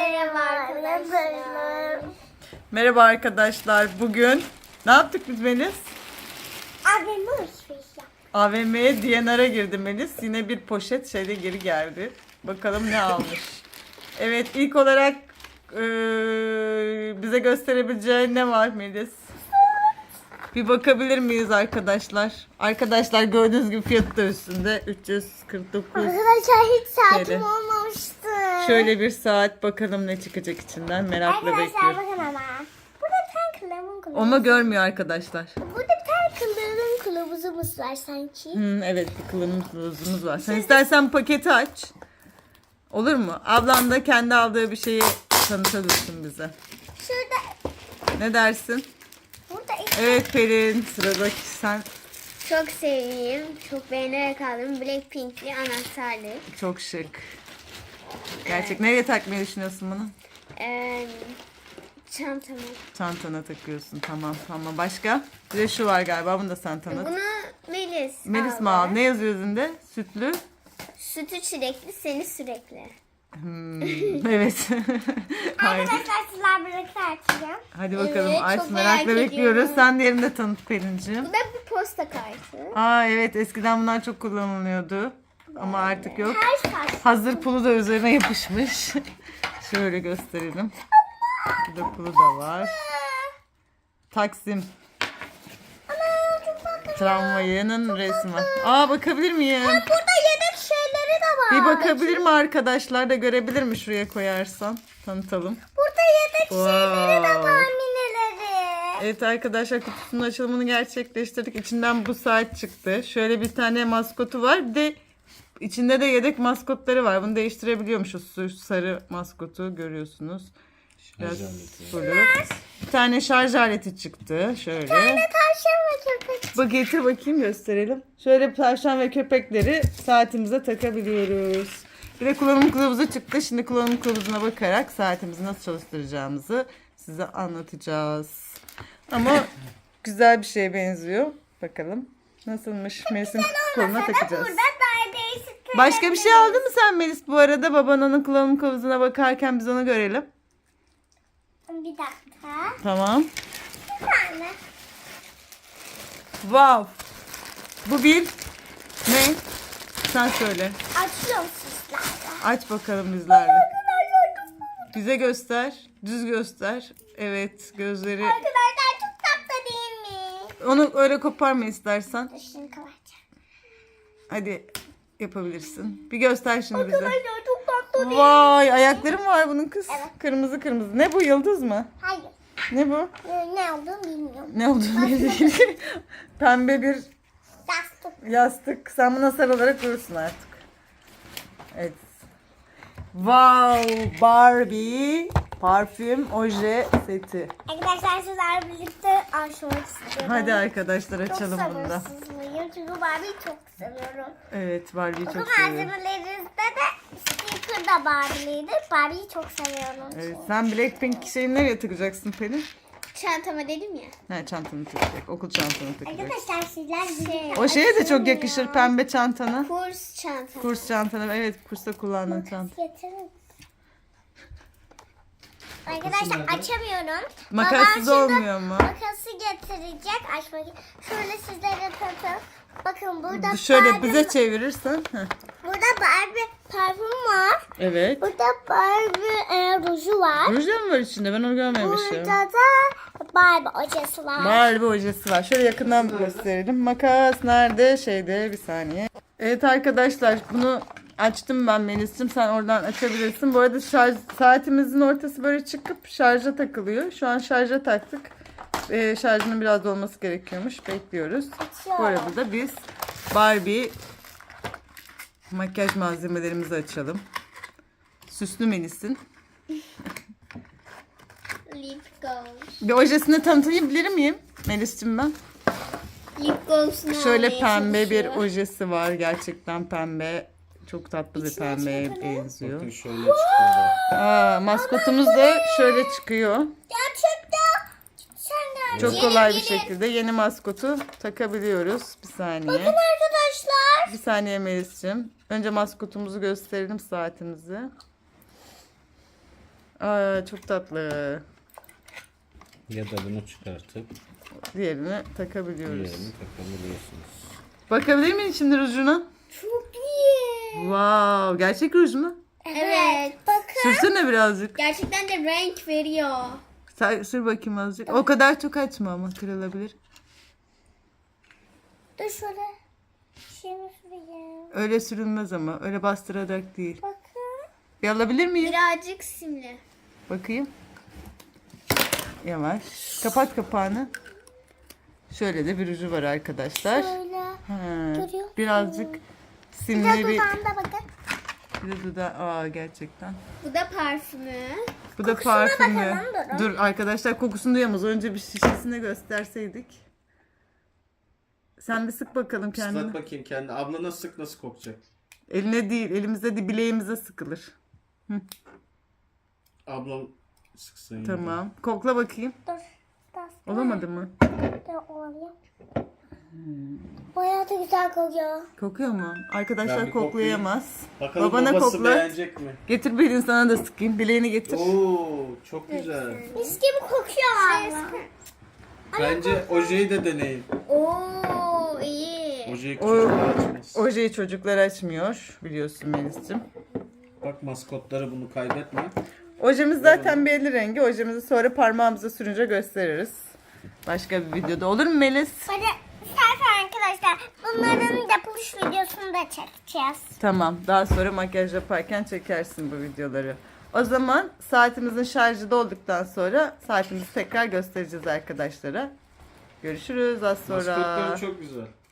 Merhaba arkadaşlar. Merhaba arkadaşlar. Bugün ne yaptık biz Melis? AVM alışveriş yaptık. AVM'ye DNR'a girdi Melis. Yine bir poşet şeyle geri geldi. Bakalım ne almış. Evet, ilk olarak bize gösterebileceğin ne var Melis? Bir bakabilir miyiz arkadaşlar? Arkadaşlar gördüğünüz gibi fiyatı da üstünde 349. Arkadaşlar hiç saatim Şöyle. olmamıştı. Şöyle bir saat, bakalım ne çıkacak içinden, merakla Arkadaşlar bekliyorum. bakın ama. Burada bir tane kılavuzumuz. Onu görmüyor arkadaşlar. Burada bir tane kılavuzumuz var sanki. Evet, bir kılavuzumuz var. Sen istersen paketi aç. Olur mu? Ablan da kendi aldığı bir şeyi tanıtabilirsin bize. Şurada. Ne dersin? Burada Evet Pelin, sıradaki sen. çok sevdiğim, çok beğenerek aldığım Blackpink'li anahtarlık. Çok şık. Gerçek. Nereye takmayı düşünüyorsun bunu? Çantama. Çantana takıyorsun. Tamam. Başka? Bir de şu var galiba. Bunu da sen tanıt. Bunu Melis Melis mi aldı. aldı? Ne yazıyor üzerinde? Sütlü. Sütü çilekli, seni sürekli. Evet. Hayır. Arkadaşlar sizler birlikte açacağım. Hadi bakalım. Evet, Aç, çok merakla merak bekliyoruz. ediyorum. Sen diğerini de tanıt Pelin'ciğim. Bu da bir posta kartı. Aa evet, eskiden bunlar çok kullanılıyordu. Ama artık yok. Her kart. Hazır pulu da üzerine yapışmış. Şöyle gösterelim. Burada pulu da var. Taksim tramvayının resmi var. Aa, bakabilir miyim? Burada yedek şeyleri de var. Bir bakabilir mi arkadaşlar, da görebilir mi, şuraya koyarsan? Tanıtalım. Burada yedek şeyleri de Wow. var, mineleri. Evet arkadaşlar, kutusunun açılımını gerçekleştirdik. İçinden bu saat çıktı. Şöyle bir tane maskotu var. Bir de içinde de yedek maskotları var. Bunu değiştirebiliyormuşuz. Şu sarı maskotu görüyorsunuz. Biraz sulu. Bir tane şarj aleti çıktı. Şöyle. Tavşan ve köpek. Bak, getir bakayım, gösterelim. Şöyle tavşan ve köpekleri saatimize takabiliyoruz. Bir de kullanım kılavuzu çıktı. Şimdi kullanım kılavuzuna bakarak saatimizi nasıl çalıştıracağımızı size anlatacağız. Ama güzel bir şeye benziyor. Bakalım nasılmış. Melis'in koluna takacağız. Burada daha değişik. Başka bir şey aldın mı sen Melis bu arada? Baban onun kullanım kılavuzuna bakarken biz onu görelim. Bir dakika. Tamam. Bir tane. Wow. Bu bir ne? Sen söyle. Açıyorum sizlerle. Aç bakalım bizlerle. Bize göster. Düz göster. Evet, gözleri. Arkadaşlar çok tatlı değil mi? Onu öyle koparma istersen. Dur şimdi kapatacağım. Hadi yapabilirsin. Bir göster şimdi bize. Arkadaşlar çok tatlı değil. Vay, ayakları mı var bunun kız? Evet. Kırmızı kırmızı. Ne bu, yıldız mı? Hayır. Ne bu? Ne olduğunu bilmiyorum. Ne olduğunu bilmiyorum. Pembe bir Yastık. yastık. Sen buna sarılarak durursun artık. Evet. Wow, Barbie parfüm oje seti. Arkadaşlar sizlerle birlikte açmak istiyorum. Hadi arkadaşlar, Çok açalım bunu da. sabırsızlıyım çünkü Barbie'yi çok seviyorum. Evet, Barbie'yi Bu çok seviyorum. malzemelerinizde de sticker da Barbie'liydi. Barbie'yi çok seviyorum. Evet, sen Blackpink şeyini nereye takacaksın Pelin? Çantama dedim ya. Ha, çantanı takacak. Okul çantanı takacak. Arkadaşlar sizler birlikte O şeye de çok açıyorum yakışır, ya. pembe çantana. Kurs çanta. Kurs çantana. Evet, kursta kullandığın çanta. Getirin. Arkadaşlar açamıyorum. Makassız Babam şimdi olmuyor mu? Makası getirecek. Açmak. Şöyle sizlere tanıtayım. Bakın burada Şöyle Barbie, bize çevirirsen. Heh. burada Barbie parfüm var. Evet. Burada Barbie ruju var. Ruj da mı var içinde? Ben onu görmemişim. Burada da Barbie ojesi var. Barbie ojesi var. Şöyle yakından gösterelim. Makas nerede? Şeyde, bir saniye. Evet arkadaşlar, bunu açtım ben Melis'cim. Sen oradan açabilirsin. Bu arada saatimizin ortası böyle çıkıp şarja takılıyor. Şu an şarja taktık. Şarjının biraz olması gerekiyormuş. Bekliyoruz. Bu arada da biz Barbie makyaj malzemelerimizi açalım. Süslü Melis'in. Lip gloss. Bir ojesini tanıtayabilir miyim Melis'cim ben? Lip gloss'unu Şöyle almaya pembe bir çalışıyor. ojesi var. Gerçekten pembe. Çok tatlı bir pembeye benziyor. Bakın şöyle çıkıyor. Aa, maskotumuz da şöyle çıkıyor. Gerçekten. Sen de Çok kolay bir şekilde yeni maskotu takabiliyoruz. Bir saniye. Arkadaşlar. Bir saniye Melis'cim. Önce maskotumuzu gösterelim, saatimizi. Aa, çok tatlı. Ya da bunu çıkartıp Diğerini takabiliyoruz. diğerini takabiliyorsunuz. Bakabilir miyim şimdi rujuna? Çok iyi. Wow, gerçek ruj mu? Evet. Bakın. Sürsene birazcık. Gerçekten de renk veriyor. Sür bakayım azıcık. O kadar çok açma ama kırılabilir. Dur şöyle. Şimdi süreyim. Öyle sürülmez ama. Öyle bastırarak değil. Bakın. Bir alabilir miyim? Birazcık simli. Bakayım. Yavaş. Kapat kapağını. Şöyle de bir ruju var arkadaşlar. Şöyle. Ha, Görüyor birazcık Bir de simli bir... dudağında bakın. Bir de dudağı. Aa, gerçekten. Bu da parfümü. Bu da Kokusuna parfümü. bakalım, durun. Dur arkadaşlar, kokusunu duyamaz. Önce bir şişesine gösterseydik. Sen bir sık bakalım kendine. Islat bakayım kendini. Abla nasıl sık nasıl kokacak? Eline değil, elimize değil, bileğimize sıkılır. Ablam sıksın. yine. Tamam. Kokla bakayım. Dur. Olamadı mı? Dur oluyor. Bayağı da güzel kokuyor. Kokuyor mu? Ben Arkadaşlar bir koklayamaz. Bakalım Babana babası koklat. beğenecek mi? Getir belini, sana da sıkayım. Bileğini getir. Oo, çok güzel. Mis gibi kokuyor valla. Bence ojeyi de deneyin. Oo iyi. Ojeyi O- çocuklar açmaz. Ojeyi çocuklar açmıyor, biliyorsun Melis'cim. Bak maskotları bunu kaybetme. Ojemiz zaten belli rengi. Ojemizi sonra parmağımıza sürünce gösteririz. Başka bir videoda, olur mu Melis? Hadi istersen arkadaşlar bunların yapılış videosunu da çekeceğiz. Tamam. Daha sonra makyaj yaparken çekersin bu videoları. O zaman saatimizin şarjı dolduktan sonra saatimizi tekrar göstereceğiz arkadaşlara. Görüşürüz az sonra. Maskotları çok güzel.